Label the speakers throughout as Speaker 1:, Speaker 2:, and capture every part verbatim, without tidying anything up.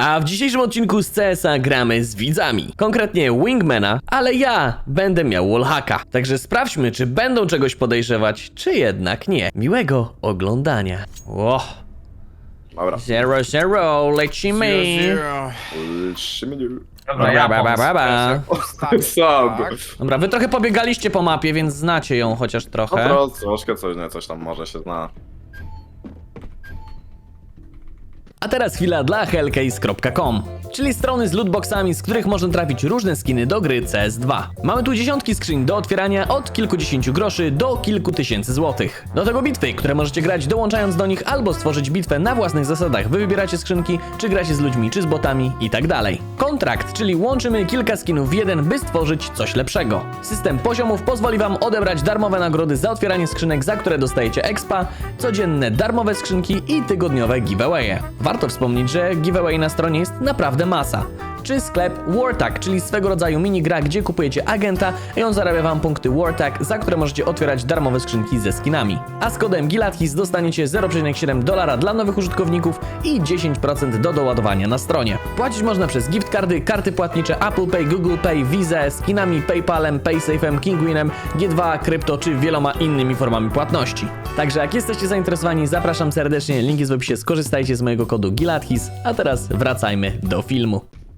Speaker 1: A w dzisiejszym odcinku z C S a gramy z widzami. Konkretnie Wingmana, ale ja będę miał wallhacka. Także sprawdźmy, czy będą czegoś podejrzewać, czy jednak nie. Miłego oglądania. Ło.
Speaker 2: Dobra.
Speaker 1: Zero, zero, lecimy.
Speaker 2: Lecimy.
Speaker 1: Dobra,
Speaker 3: ja
Speaker 1: ba, ba, ba, ba.
Speaker 2: Sam.
Speaker 1: Dobra, wy trochę pobiegaliście po mapie, więc znacie ją chociaż
Speaker 2: No
Speaker 1: trochę.
Speaker 2: to troszkę coś, nie, coś tam może się zna.
Speaker 1: A teraz chwila dla hellcase kropka com, czyli strony z lootboxami, z których można trafić różne skiny do gry C S dwa. Mamy tu dziesiątki skrzyń do otwierania od kilkudziesięciu groszy do kilku tysięcy złotych. Do tego bitwy, które możecie grać dołączając do nich albo stworzyć bitwę na własnych zasadach. Wy wybieracie skrzynki, czy gracie z ludźmi, czy z botami i tak dalej. Kontrakt, czyli łączymy kilka skinów w jeden, by stworzyć coś lepszego. System poziomów pozwoli wam odebrać darmowe nagrody za otwieranie skrzynek, za które dostajecie expa, codzienne darmowe skrzynki i tygodniowe giveawaye. Warto wspomnieć, że giveaway na stronie jest naprawdę masa. Czy sklep Wartag, czyli swego rodzaju minigra, gdzie kupujecie agenta i on zarabia wam punkty Wartag, za które możecie otwierać darmowe skrzynki ze skinami. A z kodem Gilathis dostaniecie zero przecinek siedem dolara dla nowych użytkowników i dziesięć procent do doładowania na stronie. Płacić można przez gift cardy, karty płatnicze Apple Pay, Google Pay, Visa, skinami, PayPalem, PaySafe'em, Kinguinem, G dwa, krypto czy wieloma innymi formami płatności. Także jak jesteście zainteresowani, zapraszam serdecznie, link jest w opisie, skorzystajcie z mojego kodu Gilathis, a teraz wracajmy do filmu.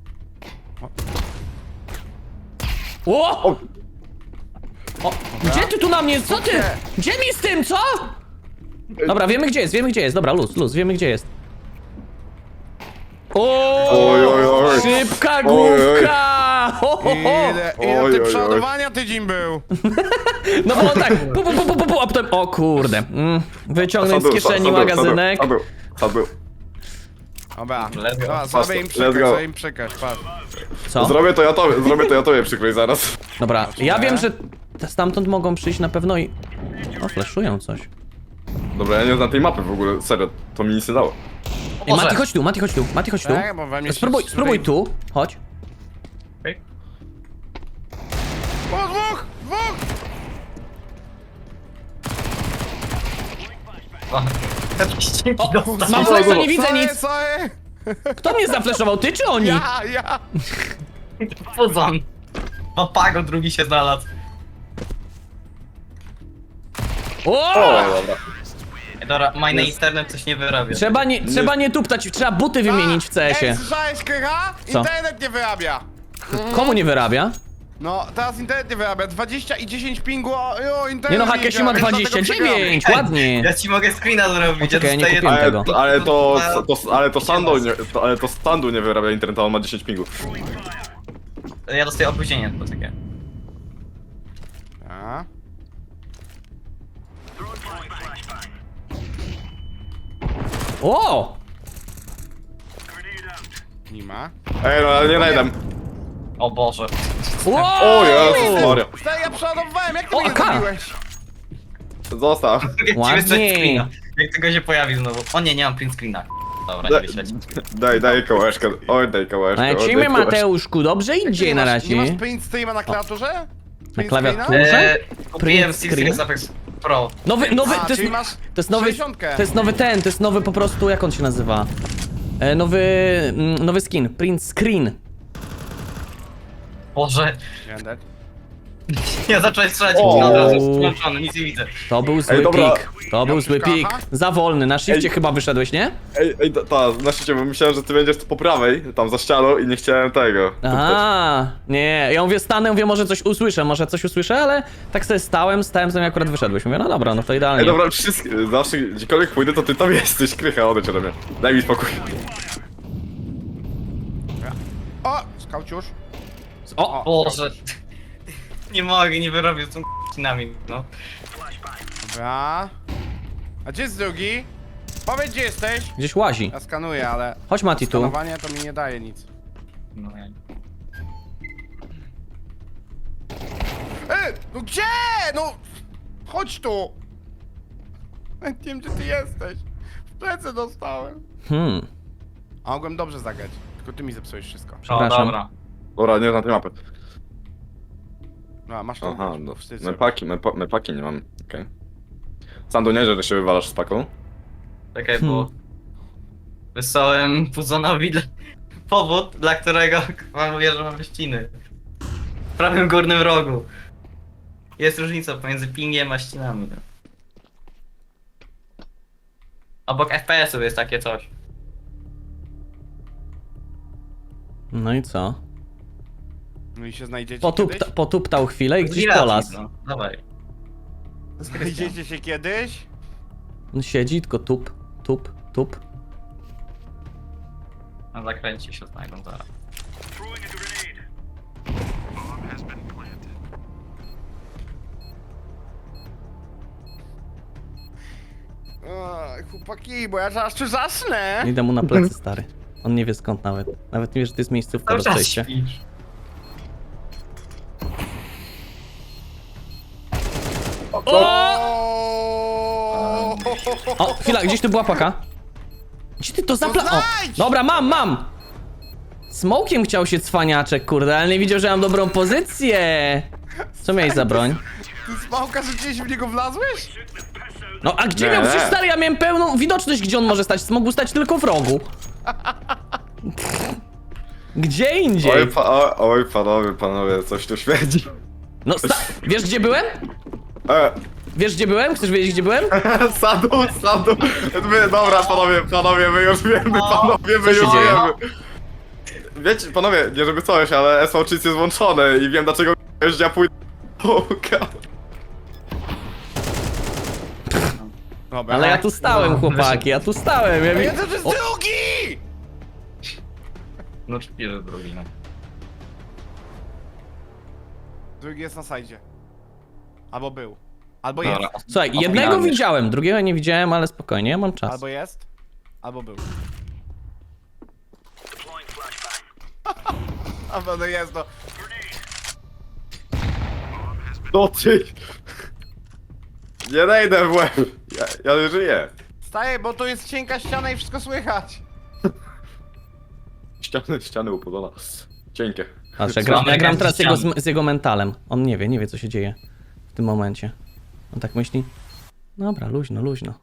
Speaker 1: O!
Speaker 2: O!
Speaker 1: O! Gdzie ty tu na mnie? Co ty? Gdzie mi z tym, co? Dobra, wiemy gdzie jest, wiemy gdzie jest. Dobra, luz, luz, wiemy gdzie jest. O!
Speaker 2: Oj, oj, oj.
Speaker 1: Szybka
Speaker 2: Oj, oj.
Speaker 1: główka! Ho, ho, ho.
Speaker 3: Ile, ile
Speaker 2: Oj,
Speaker 3: ty
Speaker 2: oj, oj.
Speaker 3: przeładowania tydzień był?
Speaker 1: No bo tak, pu, pu, pu, pu, pu, pu, a potem, o kurde. Mm, wyciągnąć z
Speaker 2: Sam był,
Speaker 1: kieszeni
Speaker 2: sam był,
Speaker 1: magazynek.
Speaker 2: Sam był, sam był.
Speaker 3: Dobra,
Speaker 4: Let's go.
Speaker 3: dobra, zrobię im
Speaker 2: Let's
Speaker 3: przykaz,
Speaker 2: go.
Speaker 3: zrobię im przykaz, patrz.
Speaker 1: Co?
Speaker 2: Zrobię to ja tobie, zrobię to ja tobie przykrój zaraz.
Speaker 1: Dobra, ja
Speaker 3: Zobaczmy.
Speaker 1: wiem, że t- stamtąd mogą przyjść na pewno i... O, flashują coś.
Speaker 2: Dobra, ja nie znam tej mapy w ogóle, serio, to mi nic nie dało.
Speaker 1: Ej, Mati, chodź tu, Mati, chodź tu, Mati, chodź tu.
Speaker 3: Tak, bo we mnie się
Speaker 1: Spróbuj,
Speaker 3: tutaj-
Speaker 1: spróbuj tu, chodź.
Speaker 4: Okej.
Speaker 3: O, dwóch, dwóch!
Speaker 4: Jakieś dzięki
Speaker 1: O,
Speaker 4: dostał.
Speaker 1: mam flasha, nie widzę
Speaker 3: Sorry,
Speaker 1: nic.
Speaker 3: sorry.
Speaker 1: Kto mnie zaflaszował, ty czy oni?
Speaker 3: Ja, ja!
Speaker 4: Puzon. No pago, drugi się znalazł.
Speaker 1: O!
Speaker 2: O, dobra.
Speaker 4: Ej, dobra, mine internet coś nie wyrabia.
Speaker 1: Trzeba nie, trzeba nie tuptać, trzeba buty wymienić w C S
Speaker 3: Ej,
Speaker 1: ie.
Speaker 3: słyszałeś, Krycha?
Speaker 1: Co?
Speaker 3: Internet nie wyrabia.
Speaker 1: Komu nie wyrabia?
Speaker 3: No, teraz internet nie wyrabia. dwadzieścia i dziesięć pingu, jo, internet
Speaker 1: Nie no,
Speaker 3: nie
Speaker 1: Hakesiu ma
Speaker 3: działa, więc
Speaker 1: dwadzieścia
Speaker 3: dlatego
Speaker 1: dziewięć,
Speaker 4: Ej,
Speaker 1: ładnie.
Speaker 4: Ja ci mogę screena zrobić.
Speaker 1: Czekaj, ja nie
Speaker 4: dostaję-
Speaker 1: kupiłem
Speaker 2: Ale,
Speaker 1: tego.
Speaker 2: to, ale to, to, ale to Sandu nie, to, ale to Sandu nie wyrabia internetu, on ma dziesięć pingów.
Speaker 4: Ja dostaję opóźnienie, poczekaj.
Speaker 3: A?
Speaker 1: O!
Speaker 3: Nie ma.
Speaker 2: Ej, no ale nie najdem.
Speaker 4: O Boże.
Speaker 1: Wow!
Speaker 2: O Jezus Maria.
Speaker 3: Stary, ja przeładowywałem, jak ty
Speaker 1: O,
Speaker 3: mnie
Speaker 1: A K.
Speaker 3: zabiłeś?
Speaker 2: Zostaw.
Speaker 4: Mogę ci
Speaker 1: Ładnie.
Speaker 4: wysłać screena. Jak tylko się pojawi znowu. O nie, nie mam print screena. Dobra, nie
Speaker 2: Daj,
Speaker 4: wyśleć.
Speaker 2: daj, daj kołeczkę. Oj, daj kołeczkę. oj,
Speaker 1: Lecimy,
Speaker 2: daj kołeczkę.
Speaker 1: Mateuszku, dobrze
Speaker 3: Jak ty
Speaker 1: idzie
Speaker 3: nie
Speaker 1: na
Speaker 3: masz- Nie masz
Speaker 1: razie.
Speaker 3: print streama na klawiaturze? Print
Speaker 1: klawiaturze?
Speaker 3: screena?
Speaker 1: Proszę?
Speaker 4: Eee, kupiłem
Speaker 1: Print
Speaker 4: Steel
Speaker 1: screen?
Speaker 4: Series Apex Pro.
Speaker 1: Nowy, nowy,
Speaker 3: A,
Speaker 1: to jest,
Speaker 3: czyli masz
Speaker 1: to jest nowy,
Speaker 3: sześćdziesiątkę.
Speaker 1: to jest nowy ten, to jest nowy po prostu, jak on się nazywa? E, nowy, mm, nowy skin, print screen.
Speaker 4: Boże.
Speaker 3: Gender.
Speaker 4: Ja zacząłem strzelać
Speaker 2: O.
Speaker 4: i od razu włączony, nic nie widzę.
Speaker 1: To był zły
Speaker 2: Ej, dobra.
Speaker 1: pik, to był zły pik.
Speaker 3: Aha.
Speaker 1: Za wolny, na shifcie
Speaker 2: Ej.
Speaker 1: chyba wyszedłeś, nie?
Speaker 2: Ej, ej, ta, ta, na szczycie, bo myślałem, że ty będziesz tu po prawej, tam za ścianą i nie chciałem tego.
Speaker 1: A, nie, ja mówię, stanę, mówię, może coś usłyszę, może coś usłyszę, ale tak sobie stałem, stałem, sobie akurat wyszedłeś. Mówię, no dobra, no to idealnie.
Speaker 2: Ej, dobra, wszystkie, zawsze gdziekolwiek pójdę, to ty tam jesteś, Krycha, odejdź ode mnie. Daj mi spokój.
Speaker 3: O, skauciusz.
Speaker 1: O,
Speaker 4: Boże. Nie mogę, nie wyrobię z tą k***inami, no.
Speaker 3: Dobra. A gdzie jest drugi? Powiedz, gdzie jesteś.
Speaker 1: gdzieś łazi.
Speaker 3: Ja skanuję, ale
Speaker 1: Chodź Mati tu.
Speaker 3: skanowanie to mi nie daje nic.
Speaker 4: no ja...
Speaker 3: Ej, no gdzie? No, chodź tu. Ja nie wiem, gdzie ty jesteś. W plecy dostałem.
Speaker 1: Hmm,
Speaker 3: A mogłem dobrze zagrać, tylko ty mi zepsułeś wszystko.
Speaker 4: O,
Speaker 1: Przepraszam.
Speaker 4: dobra.
Speaker 2: Dobra, nie znam tej mapy.
Speaker 3: No, masz to.
Speaker 2: Aha, no.
Speaker 3: wstyd
Speaker 2: My
Speaker 3: sobie.
Speaker 2: paki, my, pa- my paki nie mam, okej. Sandu, nie, że się wywalasz z paką.
Speaker 4: Czekaj,
Speaker 1: Hmm.
Speaker 4: bo... Wysłałem Puzonowi... powód, dla którego wam mówię, że mamy ściny. W prawym górnym rogu. Jest różnica pomiędzy pingiem a ścinami. No. Obok F P S-ów jest takie coś.
Speaker 1: No i co?
Speaker 3: No i się znajdziecie
Speaker 1: Potupta,
Speaker 3: kiedyś?
Speaker 1: potuptał chwilę i gdzieś
Speaker 4: Relacji,
Speaker 1: polas.
Speaker 4: No, dawaj.
Speaker 3: Znajdziecie się kiedyś?
Speaker 1: On siedzi, tylko tup, tup, tup.
Speaker 4: Na zakręcie się znajdą zaraz.
Speaker 3: O, chłopaki, bo ja zaraz tu zasnę.
Speaker 1: Idę mu na plecy, stary. On nie wie skąd nawet. Nawet nie wie, że to jest miejscówka
Speaker 4: Cały
Speaker 1: do
Speaker 4: czas
Speaker 1: przejścia.
Speaker 4: śpisz.
Speaker 1: O! O, chwila, gdzieś tu była paka. Gdzie ty to zapla... O,
Speaker 3: znajdź!
Speaker 1: dobra, mam, mam! Smokiem chciał się cwaniaczek, kurde, ale nie widział, że mam dobrą pozycję. Co miałeś za broń?
Speaker 3: Ty smałka, że gdzieś w niego wlazłeś?
Speaker 1: No, a gdzie
Speaker 2: Nie.
Speaker 1: miał? Przecież stary, ja miałem pełną widoczność, gdzie on może stać. Mógł stać tylko w rogu. Gdzie indziej?
Speaker 2: Oj, pa, oj, oj, panowie, panowie, coś tu śmierdzi.
Speaker 1: No, sta... Wiesz, gdzie byłem?
Speaker 2: E,
Speaker 1: Wiesz, gdzie byłem? Chcesz wiedzieć, gdzie byłem?
Speaker 2: sadu, sadu. My, dobra, panowie, panowie, my już wiemy, panowie, my
Speaker 1: Co się
Speaker 2: już
Speaker 1: dzieje?
Speaker 2: wiemy. Wiecie, panowie, nie żeby coś, ale S V Cheats jest włączone i wiem dlaczego jeździa pójdę.
Speaker 3: Dobra.
Speaker 1: Ale ja tu stałem,
Speaker 4: No,
Speaker 1: chłopaki, ja tu stałem. Ja
Speaker 3: A
Speaker 1: mi...
Speaker 3: jeden to jest
Speaker 1: O,
Speaker 3: drugi!
Speaker 4: No czpierze drugi, no.
Speaker 3: Drugi jest na sajdzie. Albo był. Albo
Speaker 4: Dobra.
Speaker 3: jest.
Speaker 1: Słuchaj,
Speaker 4: A
Speaker 1: jednego
Speaker 4: pogadamy.
Speaker 1: widziałem, drugiego nie widziałem, ale spokojnie, ja mam czas.
Speaker 3: Albo jest. Albo był. Albo no jest, no.
Speaker 2: No ty! Nie najdę w łeb. Ja, ja żyję.
Speaker 3: Staję, bo to jest cienka ściana i wszystko słychać.
Speaker 2: Ściany, ściany upodona. Cienkie.
Speaker 1: Patrz, ja gram, ja
Speaker 4: Słabe
Speaker 1: gram teraz jego,
Speaker 4: ściany.
Speaker 1: z, z jego mentalem. On nie wie, nie wie co się dzieje w tym momencie. On tak myśli. Dobra, luźno, luźno.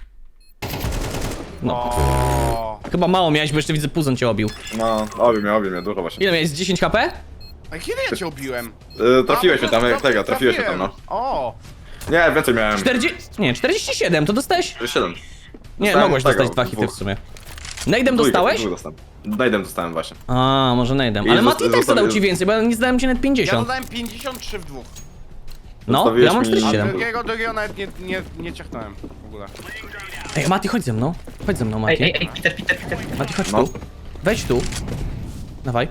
Speaker 1: No,
Speaker 3: O.
Speaker 1: chyba mało miałeś, bo jeszcze widzę puzon cię obił.
Speaker 2: No, obi mnie, obi mnie, dużo właśnie.
Speaker 1: Ile miałeś? dziesięć H P?
Speaker 3: A kiedy ja cię obiłem?
Speaker 2: Yy, trafiłeś
Speaker 3: A,
Speaker 2: mnie tam,
Speaker 3: bo-
Speaker 2: jak tego, trafiłeś mnie tam, no.
Speaker 3: O!
Speaker 2: Nie, więcej miałem.
Speaker 1: czterdzieści... Nie, czterdzieści siedem, to dostałeś?
Speaker 2: siedem.
Speaker 1: Nie,
Speaker 2: Dostałem
Speaker 1: mogłeś
Speaker 2: tego,
Speaker 1: dostać dwa hity
Speaker 2: dwóch.
Speaker 1: w sumie. Nade'em
Speaker 2: Dwójkę,
Speaker 1: dostałeś?
Speaker 2: dwóch dostałem. Nade'em dostałem właśnie.
Speaker 1: A, może nade'em.
Speaker 2: I
Speaker 1: Ale
Speaker 2: zosta-
Speaker 1: Mati tak
Speaker 2: zostawię-
Speaker 1: zadał ci więcej, bo ja nie zdałem ci nawet
Speaker 3: Ja
Speaker 1: pięćdziesiąt.
Speaker 3: dodałem pięćdziesiąt trzy w dwóch.
Speaker 1: No,
Speaker 2: zostawiłeś
Speaker 1: ja mam
Speaker 2: mi-
Speaker 3: A
Speaker 1: czterdzieści siedem.
Speaker 3: drugiego, drugiego nawet nie, nie, nie ciachnąłem w ogóle.
Speaker 1: Ej, Mati, chodź ze mną. Chodź ze mną,
Speaker 4: Ej,
Speaker 1: Mati.
Speaker 4: ej, ej, Peter, Peter, Peter, Peter.
Speaker 1: Mati, chodź
Speaker 2: No.
Speaker 1: tu. Wejdź tu. Dawaj.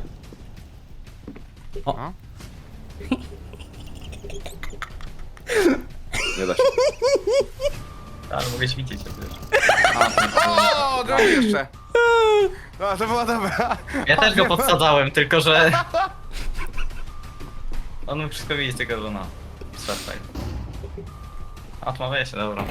Speaker 1: O,
Speaker 3: A?
Speaker 2: Nie da się.
Speaker 4: Ale mogę świecić się też.
Speaker 3: O, drugi jeszcze. No, to była dobra.
Speaker 4: Ja też go podsadzałem, tylko że... On mógł wszystko widzieć, tylko że no... Startaj. Odmawiaj się, dobra.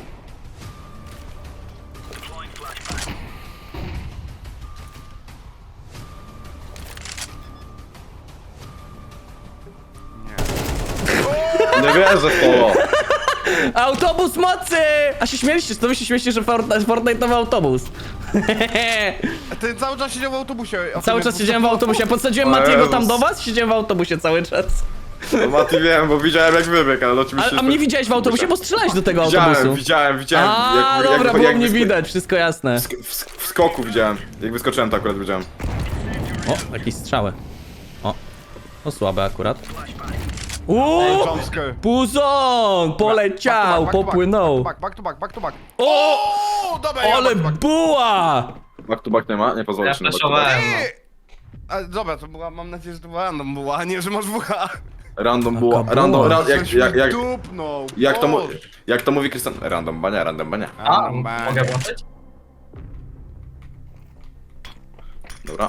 Speaker 2: Nie wierzę w to.
Speaker 1: autobus mocy! A się śmieliście, to wy się śmieliście, że Fortnite, Fortnite'owy autobus.
Speaker 3: A ty cały czas siedział w autobusie.
Speaker 1: Cały czas siedziałem w autobusie, ja podsadziłem
Speaker 2: O
Speaker 1: Matiego
Speaker 2: Jezus.
Speaker 1: tam do was, siedziałem w autobusie cały czas.
Speaker 2: No Mati wiem, bo widziałem jak wybiegł, ale oczywiście...
Speaker 1: A, a mnie widziałeś w autobusie, bo strzelałeś do tego
Speaker 2: Widziałem,
Speaker 1: autobusu.
Speaker 2: widziałem, widziałem.
Speaker 1: A,
Speaker 2: jak-
Speaker 1: dobra,
Speaker 2: jak-
Speaker 1: było
Speaker 2: jak
Speaker 1: mnie
Speaker 2: wysko-
Speaker 1: widać, wszystko jasne.
Speaker 2: W, w, w skoku widziałem. Jak wyskoczyłem, to akurat widziałem.
Speaker 1: O, jakieś strzały. O, to słabe akurat. Uuu,
Speaker 3: Jumpscare.
Speaker 1: puzon! Poleciał,
Speaker 3: Back to back,
Speaker 1: popłynął.
Speaker 3: Back, back to back, back to back.
Speaker 1: O,
Speaker 3: O, dobra, ja
Speaker 1: ale
Speaker 3: back to back.
Speaker 1: buła!
Speaker 2: Back to back nie ma? Nie pozwolę
Speaker 4: Ja
Speaker 2: się na back to back.
Speaker 4: flashowałem, no.
Speaker 3: Ty! A, dobra, to była, mam nadzieję, że to była random była, a nie, że masz W H.
Speaker 2: Random było,
Speaker 1: Taka
Speaker 2: random,
Speaker 1: była.
Speaker 2: ra, jak,
Speaker 3: Coś
Speaker 2: jak,
Speaker 3: mi
Speaker 2: jak,
Speaker 3: dupnął.
Speaker 2: jak, to, mu-
Speaker 3: Boże.
Speaker 2: jak to mówi Krystian... Random bania, random bania.
Speaker 4: A,
Speaker 3: Random
Speaker 4: mogę
Speaker 3: bang.
Speaker 4: włączyć?
Speaker 2: Dobra.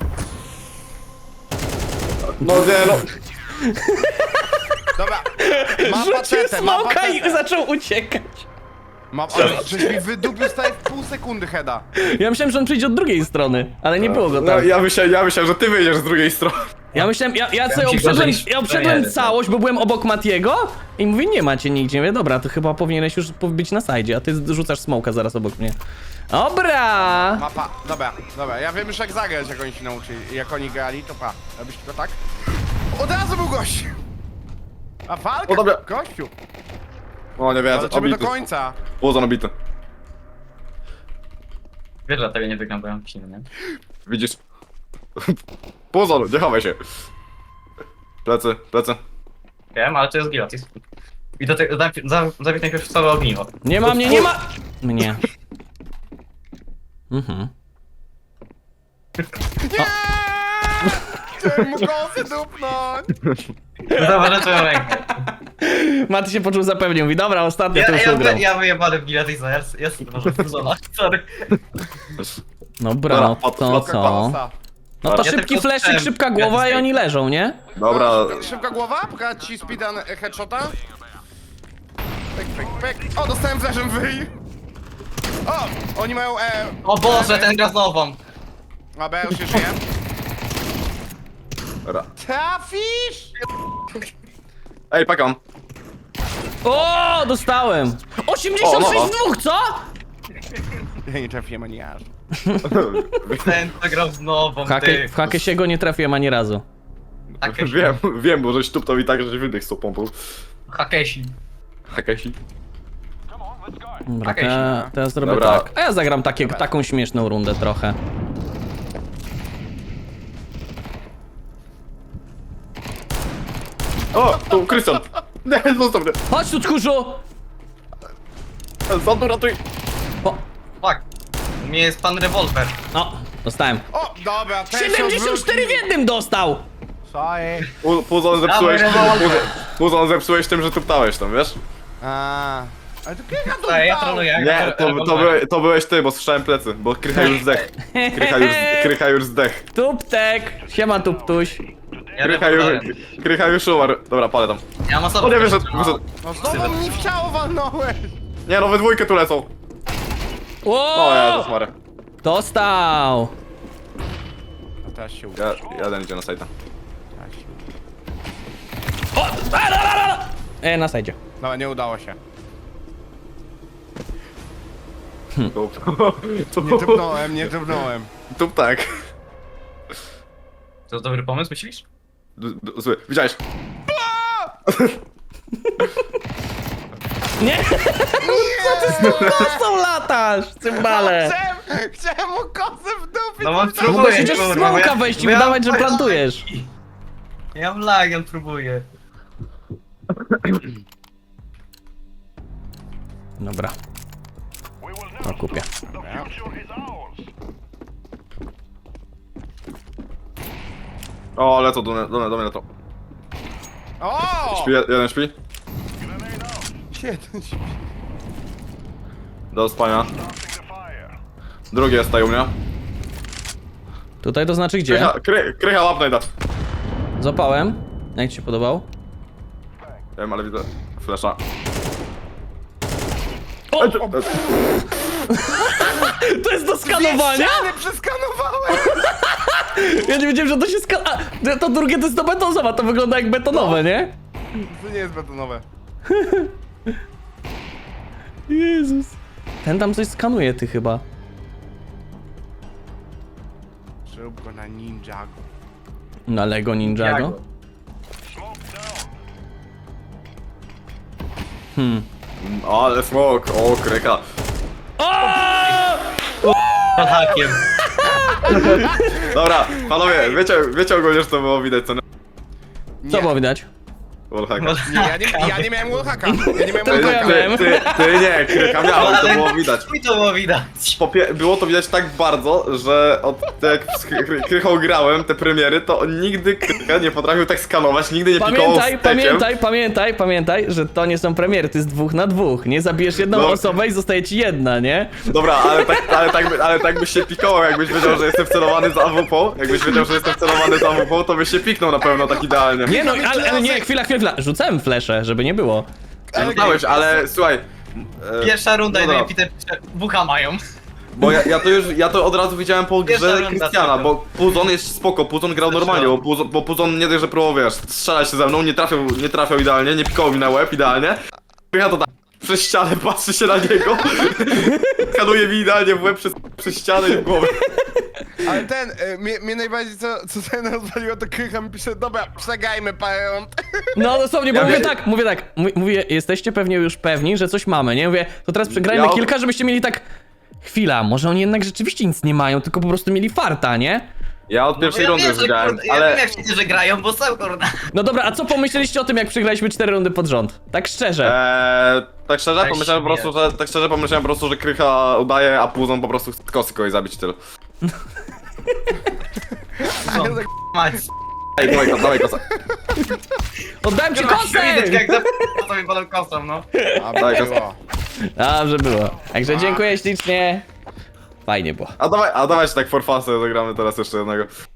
Speaker 2: No nie no.
Speaker 3: Dobra, ma
Speaker 1: Rzucił
Speaker 3: pacetę, ma
Speaker 1: smoka i
Speaker 3: pacetę.
Speaker 1: zaczął uciekać.
Speaker 3: Ma, ale żeś mi wydupił stary w pół sekundy heada.
Speaker 1: Ja myślałem, że on przyjdzie od drugiej strony, ale nie było go
Speaker 2: No,
Speaker 1: tam.
Speaker 2: ja myślałem, ja myślałem, że ty wyjdziesz z drugiej strony.
Speaker 1: Ja myślałem, ja, ja sobie
Speaker 4: ci
Speaker 1: obszedłem,
Speaker 4: gorzej niż
Speaker 1: ja obszedłem
Speaker 4: frajery,
Speaker 1: całość, bo byłem obok Matiego i mówię, nie macie nigdzie. Mówię, dobra, to chyba powinieneś już być na sajdzie, a ty rzucasz smoka zaraz obok mnie. Dobra!
Speaker 3: Mapa, dobra, dobra, ja wiem już jak zagrać, jak oni się nauczyli, jak oni grali, to pa, robisz tylko tak. Od razu był gość! A walka,
Speaker 2: O, dobra.
Speaker 3: gościu!
Speaker 2: O, nie wiem,
Speaker 3: Walczymy do
Speaker 2: obity.
Speaker 3: końca.
Speaker 2: Puzon obity.
Speaker 4: Wiesz, dlatego nie wygram, bo ja mam psinę, nie?
Speaker 2: Widzisz? Puzon, nie chowaj się. Plecy, plecy.
Speaker 4: Wiem, ale to jest gratis. I do tego, zabić najpierw całe ogniwo.
Speaker 1: Nie ma mnie, nie ma... Mnie. Mhm.
Speaker 3: Nie! Chciałem mu kosy dupnąć!
Speaker 4: Zauważyłem twoją rękę.
Speaker 1: Maty się poczuł zapewnie, mówi, dobra, ostatnio
Speaker 4: Ja,
Speaker 1: to już
Speaker 4: ja,
Speaker 1: ugrał.
Speaker 4: ja, ja wyjebany w Gilatisa, ja jestem może wkurzona, sorry.
Speaker 1: Dobra,
Speaker 2: Dobra,
Speaker 1: no
Speaker 2: pod-
Speaker 1: to
Speaker 2: pod-
Speaker 1: co? No to
Speaker 4: Ja
Speaker 1: szybki
Speaker 4: tylko
Speaker 1: fleszyk,
Speaker 4: chciałem-
Speaker 1: szybka głowa i oni leżą, nie?
Speaker 2: Dobra,
Speaker 3: Szybka głowa, pchać ci speedan e, headshota. Pek, pek, pek. O, dostałem flashem wyj. O, oni mają e...
Speaker 4: O Boże, ten gra z nową.
Speaker 3: A, B już nie żyje.
Speaker 2: dobra.
Speaker 3: Trafisz!
Speaker 2: Ej, pakam.
Speaker 1: O, dostałem! osiemdziesiąt sześć
Speaker 2: O, no, no.
Speaker 1: w dwóch, co?
Speaker 3: Ja nie trafiłem ani aż.
Speaker 4: Ten to grał z nową,
Speaker 1: W hakę,
Speaker 4: ty.
Speaker 1: w hakę się go nie trafiłem ani razu.
Speaker 4: Hakeshi.
Speaker 2: Wiem, wiem, bo żeś tuptał i tak, że wydech z tą pompą.
Speaker 4: Hakeshi.
Speaker 2: Hakesi.
Speaker 1: Dobra, to
Speaker 4: Okej,
Speaker 1: ja, to ja zrobię
Speaker 2: Dobra.
Speaker 1: tak. A ja zagram takie, taką śmieszną rundę trochę.
Speaker 2: O, tu Krystian. Nie, zostaw mnie.
Speaker 1: Chodź tu, tchórzu!
Speaker 2: Zandu, ratuj.
Speaker 1: O,
Speaker 4: Fuck. U mnie jest pan rewolwer.
Speaker 1: o, dostałem.
Speaker 3: O, dobra, ten się
Speaker 1: siedemdziesiąt cztery w
Speaker 3: odwrócił.
Speaker 1: jednym dostał!
Speaker 3: Sorry.
Speaker 2: Pu- Puzon zepsułeś,
Speaker 4: Dawaj, rewolwer.
Speaker 2: Puzon- Puzon zepsułeś tym, że tuptałeś tam, wiesz?
Speaker 3: A, ale to kilka tu
Speaker 4: Ej, ja
Speaker 3: dał.
Speaker 4: troluję.
Speaker 2: Nie, to, to, byłeś, to byłeś ty, bo słyszałem plecy, bo Krycha już zdech. Krycha już, Krycha już zdech.
Speaker 1: Tuptek! Siema, tuptuś.
Speaker 4: Ja
Speaker 2: Krycha już,
Speaker 4: rewolwerem.
Speaker 2: Krycha już umarł. Dobra, palę tam.
Speaker 4: Ja mam
Speaker 2: O
Speaker 4: osobę.
Speaker 2: nie, wyszedł, wyszedł.
Speaker 3: No znowu mi w ciało walnąłeś.
Speaker 2: Nie no, we dwójkę tu lecą. O, Jezus
Speaker 1: O!
Speaker 2: Maria.
Speaker 1: Dostał!
Speaker 3: A teraz się uda.
Speaker 2: Ja, jeden idzie na sajta.
Speaker 1: O! A, la, la, la, la. E, na sajdzie.
Speaker 3: No, nie udało się.
Speaker 2: Tup.
Speaker 3: Nie dupnąłem, nie dupnąłem.
Speaker 2: Tup tak.
Speaker 4: To dobry pomysł, myślisz?
Speaker 2: D- d- Zły, widziałeś?
Speaker 1: Nie! Co ty z tą kosą latasz, cymbale?
Speaker 3: Chciałem, chciałem mu kosę w dupie.
Speaker 4: No mam
Speaker 3: to-
Speaker 1: No bo
Speaker 4: próbuję,
Speaker 1: przecież
Speaker 4: kurwa,
Speaker 1: smoka
Speaker 4: bo ja-
Speaker 1: wejść i
Speaker 4: bo ja-
Speaker 1: udawać, że plantujesz.
Speaker 4: Ja mam lag, ja próbuję.
Speaker 1: Dobra. To kupię.
Speaker 2: O, lecą do mnie, do mnie, do mnie lecą.
Speaker 3: O!
Speaker 2: Śpi, jeden śpi.
Speaker 3: Jeden śpi.
Speaker 2: Do spania. Drugi jest tutaj u mnie.
Speaker 1: Tutaj to znaczy gdzie?
Speaker 2: Krycha, kry, krycha łap najda.
Speaker 1: Złapałem. Jak ci się podobał?
Speaker 2: Nie wiem, ale widzę flasha.
Speaker 1: O!
Speaker 2: E, e,
Speaker 1: To jest do skanowania?
Speaker 3: Ściany przeskanowałem!
Speaker 1: Ja nie wiedziałem, że to się ska... A, to drugie to jest do betonowa, to wygląda jak betonowe, nie?
Speaker 3: To nie jest betonowe.
Speaker 1: Jezus. Ten tam coś skanuje, ty chyba.
Speaker 3: Zrób go na Ninjago.
Speaker 1: Na Lego Ninjago?
Speaker 4: Jago.
Speaker 1: Hmm.
Speaker 2: ale smok, o krycha.
Speaker 4: Pod hakiem.
Speaker 2: Dobra, panowie, wiecie, wiecie ogólnie, że to było widać, co nie?
Speaker 1: Co
Speaker 3: Nie.
Speaker 1: było widać?
Speaker 2: Wallhacka.
Speaker 3: Nie, ja nie, ja nie miałem wallhacka. Ja nie miałem
Speaker 1: Tylko ja
Speaker 2: Ty,
Speaker 3: wallhacka.
Speaker 1: miałem.
Speaker 2: ty, ty nie, krycha miał, to było widać.
Speaker 4: Mi to było widać.
Speaker 2: Popie było to widać tak bardzo, że od jak z Kry- Krychą grałem te premiery, to on nigdy Krycha nie potrafił tak skanować, nigdy nie pikował
Speaker 1: Pamiętaj,
Speaker 2: stekiem.
Speaker 1: pamiętaj, pamiętaj, pamiętaj, że to nie są premiery, to jest dwóch na dwóch. Nie zabijesz jedną
Speaker 2: No.
Speaker 1: osobę i zostaje ci jedna, nie?
Speaker 2: Dobra, ale tak, ale, tak, by- ale tak byś się pikował, jakbyś wiedział, że jestem celowany z A W P. Jakbyś wiedział, że jestem celowany z A W P, to byś się piknął na pewno tak idealnie.
Speaker 1: Nie no, ale, ale nie, chwila, chwila, chwila. Rzucałem flesze, żeby nie było.
Speaker 2: Rzucałeś, ale słuchaj. e,
Speaker 4: Pierwsza runda
Speaker 2: no
Speaker 4: i
Speaker 2: dobra,
Speaker 4: Peter pisze, bucha mają.
Speaker 2: Bo ja, ja to już, ja to od razu widziałem po
Speaker 4: Pierwsza
Speaker 2: grze
Speaker 4: runda
Speaker 2: Krystiana,
Speaker 4: tylko.
Speaker 2: bo Puzon jest spoko, Puzon grał normalnie, bo Puzon, bo Puzon nie dość, że próbował, wiesz, strzelać się ze mną, nie trafiał, nie trafiał idealnie, nie pikował mi na łeb idealnie. Krycha to tak, przez ścianę, patrzy się na niego. Skanuje mi idealnie w łeb przez, przez ścianę i w głowę.
Speaker 3: Ale ten, y, mnie, mnie najbardziej co, co ten rozwaliło, to Krycha mi pisze, dobra, przegajmy parę rund.
Speaker 1: No dosłownie, bo
Speaker 2: Ja
Speaker 1: mówię
Speaker 2: wiem.
Speaker 1: tak, mówię tak, m- mówię, jesteście pewnie już pewni, że coś mamy, nie? Mówię, to teraz przegrajmy
Speaker 2: Ja-
Speaker 1: kilka, żebyście mieli tak... Chwila, może oni jednak rzeczywiście nic nie mają, tylko po prostu mieli farta, nie?
Speaker 2: Ja od pierwszej
Speaker 4: ja
Speaker 2: rundy
Speaker 4: wiem,
Speaker 2: już
Speaker 4: że,
Speaker 2: grałem,
Speaker 4: kurde, Ja
Speaker 2: ale...
Speaker 4: wiem jak wszyscy, że grają, bo są kurna.
Speaker 1: No dobra, a co pomyśleliście o tym, jak przegraliśmy cztery rundy pod rząd? Tak szczerze.
Speaker 2: Eee, tak szczerze,
Speaker 4: Tak
Speaker 2: pomyślałem po
Speaker 4: śmieję.
Speaker 2: prostu, że tak szczerze pomyślałem po prostu, że Krycha udaje, a Puzon po prostu chce kosy kogoś zabić i tyle.
Speaker 4: Mać.
Speaker 2: Ej, dawaj kosa, dawaj kosa.
Speaker 1: Oddałem ci
Speaker 4: Widać
Speaker 1: kosę!
Speaker 4: jak za sobie potem kosą, no.
Speaker 3: A
Speaker 2: Daj,
Speaker 3: było.
Speaker 1: Dobrze było. Także dziękuję ślicznie. Fajnie było.
Speaker 2: A dawaj, a dawaj, że tak for fun sobie zagramy teraz jeszcze jednego.